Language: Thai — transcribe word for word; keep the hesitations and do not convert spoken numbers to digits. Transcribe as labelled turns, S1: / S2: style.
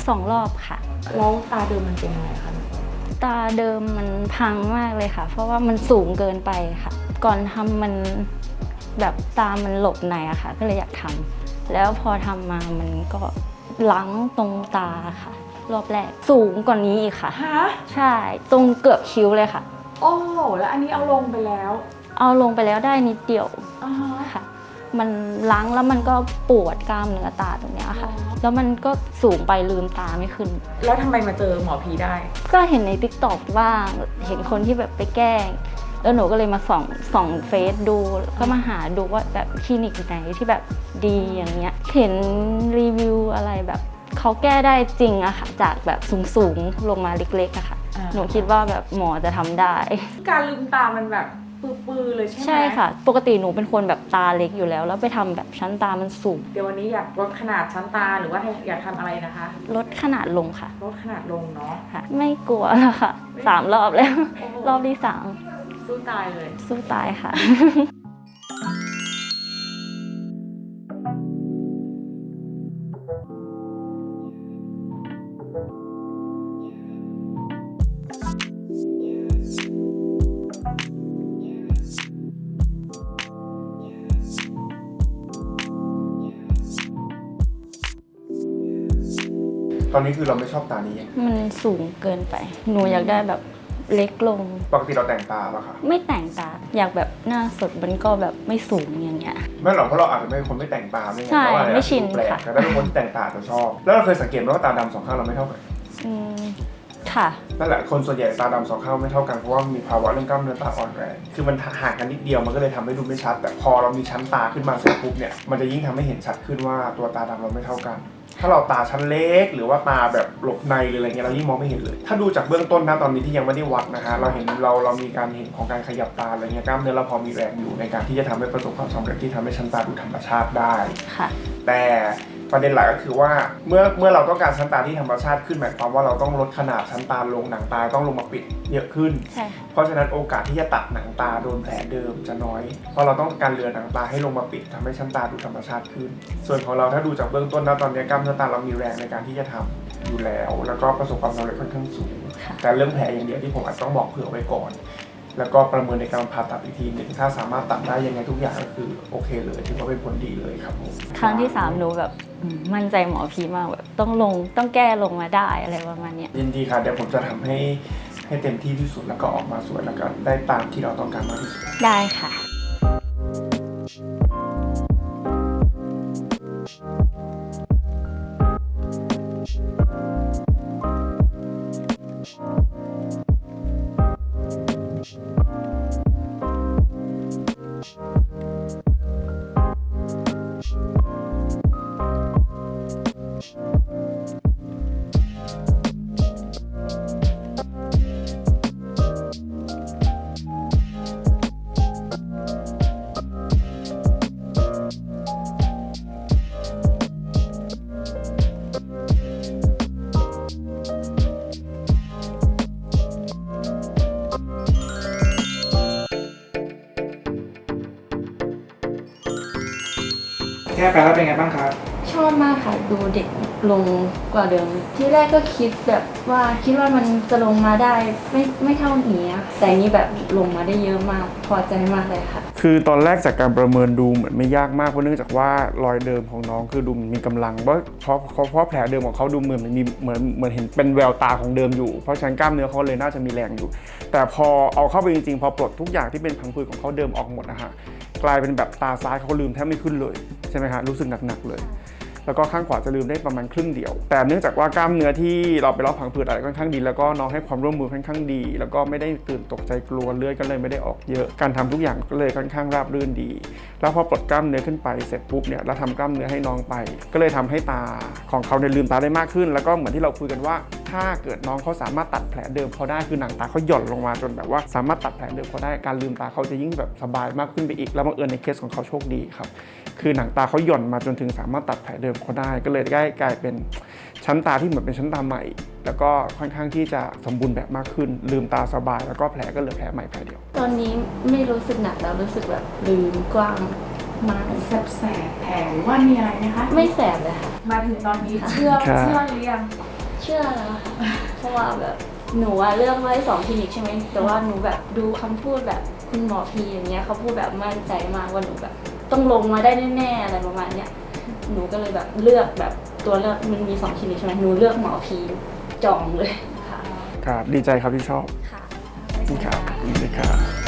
S1: สองรอบค่ะ
S2: แล้วตาเดิมมันเป็นยังไงคะ
S1: ตาเดิมมันพังมากเลยค่ะเพราะว่ามันสูงเกินไปค่ะก่อนทำมันแบบตามันหลบในอะค่ะก็เลยอยากทำแล้วพอทำมามันก็ล้างตรงตาค่ะรอบแรกสูงกว่านี้อีกค่ะ
S2: ฮะ
S1: ใช่ตรงเกือบคิ้วเลยค่ะ
S2: โอ้แล้วอันนี้เอาลงไปแล้ว
S1: เอาลงไปแล้วได้นิดเดียวค่ะมันล้างแล้วมันก็ปวดกล้ามเนื้อตาตรงนี้ค่ะแล้วมันก็สูงไปลืมตาไม่ขึ้น
S2: แล้วทำไมมาเจอหมอพีได้
S1: ก็เห็นใน ติ๊กต็อก บ้างเห็นคนที่แบบไปแกล้งแล้วหนูก็เลยมาส่องส่องเฟซดูก็มาหาดูว่าแบบคลินิกไหนที่แบบดีอย่างเงี้ยเห็นรีวิวอะไรแบบเขาแก้ได้จริงอะค่ะจากแบบสูงๆลงมาเล็กๆอะค่ะหนูคิดว่าแบบหมอจะทำได้
S2: การลืมตามันแบบปื้อๆเลยใช่ไหม
S1: ใช่ค่ะปกติหนูเป็นคนแบบตาเล็กอยู่แล้วแล้วไปทำแบบชั้นตามันสูง
S2: เดี๋ยววันนี้อยากลดขนาดชั้นตาหรือว่าอยากทำอะไรนะคะ
S1: ลดขนาดลงค่ะ
S2: ลดขนาดลงเนาะ
S1: ค่ะไม่กลัวแล้วค่ะสามรอบแล้วรอบที่สาม
S2: สู้ตายเลย
S1: สู้ตายค่ะ
S3: ตอนนี้คือเราไม่ชอบตานี้
S1: มันสูงเกินไปหนูอยากได้แบบเล็กลง
S3: ปกติเราแต่งตาป่ะคะ
S1: ไม่แต่งตาอยากแบบหน้าสดมันก็แบบไม่สูงอย่างเงี้ย
S3: ไม่หรอกเพราะเราอาจจะไม่คนไม่แต่งตาไม่ไง
S1: ใช่ไม่ชิน
S3: ค่ะแต่ถ้าเป็นคนแต่งตาจะชอบแล้วเราเคยสังเกตไหมว่าตาดำสองข้างเราไม่เท่ากัน
S1: อืมค่ะ
S3: นั่นแหละคนส่วนใหญ่ตาดำสองข้างไม่เท่ากันเพราะว่ามีภาวะเรื่องกล้ามเนื้อตาอ่อนแรงคือมันห่างกันนิดเดียวมันก็เลยทำให้ดูไม่ชัดแต่พอเรามีชั้นตาขึ้นมาเสร็จปุ๊บเนี่ยมันจะยิ่งทำให้เห็นชัดขึ้นว่าตัวตาดำเราไม่เท่ากันถ้าเราตาชั้นเล็กหรือว่าตาแบบหลบในหรืออะไรเงี้ยเรายิ่งมองไม่เห็นเลยถ้าดูจากเบื้องต้นนะตอนนี้ที่ยังไม่ได้วัดนะฮะเราเห็นเราเรามีการเห็นของการขยับตาอะไรเงี้ยกล้ามเนื้อเราพอมีแรงอยู่ในการที่จะทำให้ประสบความสำเร็จที่ทำให้ชั้นตาดูธรรมชาติได้
S1: ค่ะ
S3: แต่ประเด็นหลักก็คือว่าเมื่อเมื่อเราต้องการชั้นตาที่ธรรมชาติขึ้นหมายความว่าเราต้องลดขนาดชั้นตาลงหนังตาต้องลงมาปิดเยอะขึ้นเพราะฉะนั้นโอกาสที่จะตัดหนังตาโดนแผลเดิมจะน้อยเพราะเราต้องการเลือหนังตาให้ลงมาปิดทำให้ชั้นตาดูธรรมชาติขึ้นส่วนของเราถ้าดูจากเบื้องต้นนะตอนนี้กล้ามเนื้อตาเรามีแรงในการที่จะทำอยู่แล้วแล้วก็ประสบความสำเร็จค่อนข้างสูงแต่เรื่องแผลอย่างเดียวที่ผมอาจต้องบอกเผื่อไว้ก่อนแล้วก็ประเมินในการผ่าตัดอีกทีหนึ่งถ้าสามารถตัดได้ยังไงทุกอย่างก็คือโอเคเลยถือว่าเป็นผลดีเลยครับผม
S1: ครั้งที่สามหนูแบบมั่นใจหมอพีมากแบบต้องลงต้องแก้ลงมาได้อะไรประมาณนี้
S3: ยินดีค่ะเดี๋ยวผมจะทำให้ให้เต็มที่ที่สุดแล้วก็ออกมาสวยแล้วก็ได้ตามที่เราต้องการมากที่สุด
S1: ได้ค่ะ
S2: แก้ไปแล้วเป็นไงบ้างครับ
S1: ชอบมากค่ะดูเด็กลงกว่าเดิมที่แรกก็คิดแบบว่าคิดว่ามันจะลงมาได้ไม่ไม่เท่านี้แต่นี้แบบลงมาได้เยอะมากพอใจมากเลยค่ะ
S3: คือตอนแรกจากการประเมินดูเหมือนไม่ยากมากเพราะเนื่องจากว่ารอยเดิมของน้องคือดูมีกำลังเพราะเพราะเพราะแผลเดิมของเขาดูเหมือนมีเหมือนเหมือนเห็นเป็นแววตาของเดิมอยู่เพราะฉะนั้นกล้ามเนื้อเขาเลยน่าจะมีแรงอยู่แต่พอเอาเข้าไปจริงๆพอปลดทุกอย่างที่เป็นพังผืดของเขาเดิมออกหมดนะฮะกลายเป็นแบบตาซ้ายเขาลืมแทบไม่ขึ้นเลยใช่ไหมฮะรู้สึกหนักๆเลยแล้วก็ข้างขวาจะลืมได้ประมาณครึ่งเดียวแต่เนื่องจากว่ากล้ามเนื้อที่เราไปเลาะผังผืดอะไรค่อนข้างดีแล้วก็น้องให้ความร่วมมือค่อนข้างดีแล้วก็ไม่ได้ตื่นตกใจกลัวเลือดก็เลยไม่ได้ออกเยอะการทำทุกอย่างก็เลยค่อนข้างราบรื่นดีแล้วพอปลดกล้ามเนื้อขึ้นไปเสร็จปุ๊บเนี่ยเราทำกล้ามเนื้อให้น้องไปก็เลยทำให้ตาของเขาเนี่ยลืมตาได้มากขึ้นแล้วก็เหมือนที่เราคุยกันว่าถ้าเกิดน้องเขาสามารถตัดแผลเดิมเขาได้คือหนังตาเขาหย่อนลงมาจนแบบว่าสามารถตัดแผลเดิมเขาได้การลืมตาเขาจะยิ่งแบบสบายมากขึ้นไปอีกแล้วบังเอิญในเคสของเขาโชคดีครับคือหนังตาเขาหย่อนมาจนถึงสามารถตัดแผลเดิมเขาได้ก็เลยได้กลายเป็นชั้นตาที่เหมือนเป็นชั้นตาใหม่แล้วก็ค่อนข้างที่จะสมบูรณ์แบบมากขึ้นลืมตาสบายแล้วก็แผลก็เหลือแผลใหม่แผลเดียว
S1: ตอนนี้ไม่รู้สึกหนักแล้วรู้สึกแบบลืมกว้างมาก
S2: แสบแสบแผลว่ามีอะไรไหมคะ
S1: ไม่แสบเลยค่ะ
S2: มาถึงตอนนี้เชื่อเชื่อหรือยัง
S1: ชื่อนะคะเพราะว่าแบบหนูอะเลือกไว้สองคลินิกใช่ไหมแต่ว่าหนูแบบดูคำพูดแบบคุณหมอพีอย่างเงี้ยเขาพูดแบบมั่นใจมากว่าหนูแบบต้องลงมาได้แน่ๆอะไรประมาณเนี้ยหนูก็เลยแบบเลือกแบบตัวเลือกมันมีสองคลินิกใช่ไหมหนูเลือกหมอพีจองเลยค่ะ
S3: ครับดีใจครับที่ชอบ
S1: ค่ะ
S3: ครับดีครับ